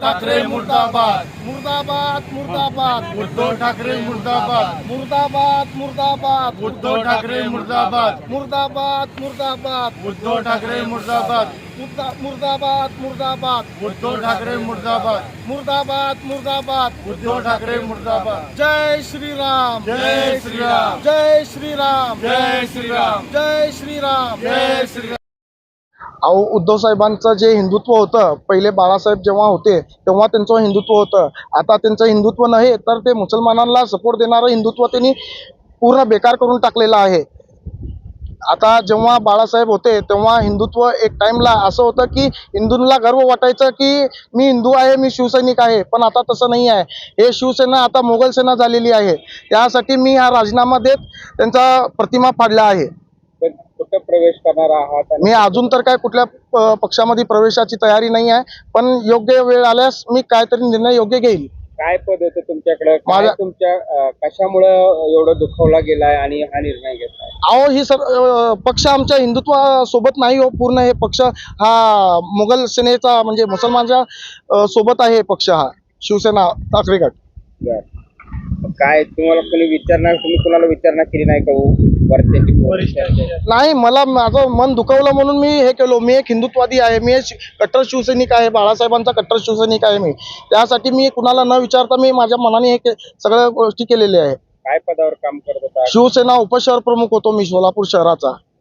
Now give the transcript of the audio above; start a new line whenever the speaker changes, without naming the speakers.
ठाकरे मुर्दाबाद,
मुर्दाबाद मुर्दाबाद
उद्धव ठाकरे मुर्दाबाद,
मुर्दाबाद मुर्दाबाद
उद्धव ठाकरे मुर्दाबाद,
मुर्दाबाद मुर्दाबाद
उद्धव ठाकरे मुर्दाबाद,
मुर्दाबाद मुर्दाबाद
उद्धव ठाकरे मुर्दाबाद,
मुर्दाबाद मुर्दाबाद
उद्धव ठाकरे मुर्दाबाद।
जय श्रीराम
जय श्रीराम,
जय श्रीराम
जय श्रीराम,
जय श्रीराम
जय श्रीराम।
अहो उद्धव साहेबांचं जे हिंदुत्व होतं पहिले बाळासाहेब जेव्हा होते तेव्हा त्यांचं हिंदुत्व होतं. आता त्यांचं हिंदुत्व नाही तर ते मुसलमानांना सपोर्ट देणारं हिंदुत्व त्यांनी पूर्ण बेकार करून टाकलेलं आहे. आता जेव्हा बाळासाहेब होते तेव्हा हिंदुत्व एक टाइमला असं होतं की हिंदूंना गर्व वाटायचं की मी हिंदू आहे, मी शिवसैनिक आहे. पण आता तसं नाही आहे. हे शिवसेना आता मोगल सेना झालेली आहे. त्यासाठी मी हा राजीनामा देत त्यांचा प्रतिमा फाडला आहे.
कुठं प्रवेश करणार आहात?
मी अजून तर काय कुठल्या पक्षामध्ये प्रवेशाची तयारी नाही आहे, पण योग्य वेळ आल्यास मी काहीतरी निर्णय योग्य घेईल.
काय पद होतं तुमच्याकडे?
माझ्या-
तुमच्या कशामुळे एवढं दुखावला गेलाय आणि हा निर्णय घेतलाय?
अहो ही पक्ष आमच्या हिंदुत्वासोबत नाही हो. पूर्ण हे पक्ष हा मुघल सेनेचा म्हणजे मुसलमानच्या सोबत आहे. पक्ष हा शिवसेना ठाकरे गट.
बरं. काय तुम्हाला कोणी विचारणार, तुम्ही कोणाला विचारणा केली नाही का हो? वरच्यांची
नाही, मला माझं मन दुखवलं म्हणून मी हे केलो. मी एक हिंदुत्ववादी आहे, मी एक कट्टर शिवसैनिक आहे, बाळासाहेबांचा कट्टर शिवसैनिक आहे मी. त्यासाठी मी कुणाला न विचारता मी माझ्या मनाने हे सगळ्या गोष्टी केलेल्या आहे.
काय पदावर काम करत होता?
शिवसेना उपशहर प्रमुख होतो मी सोलापूर शहराचा.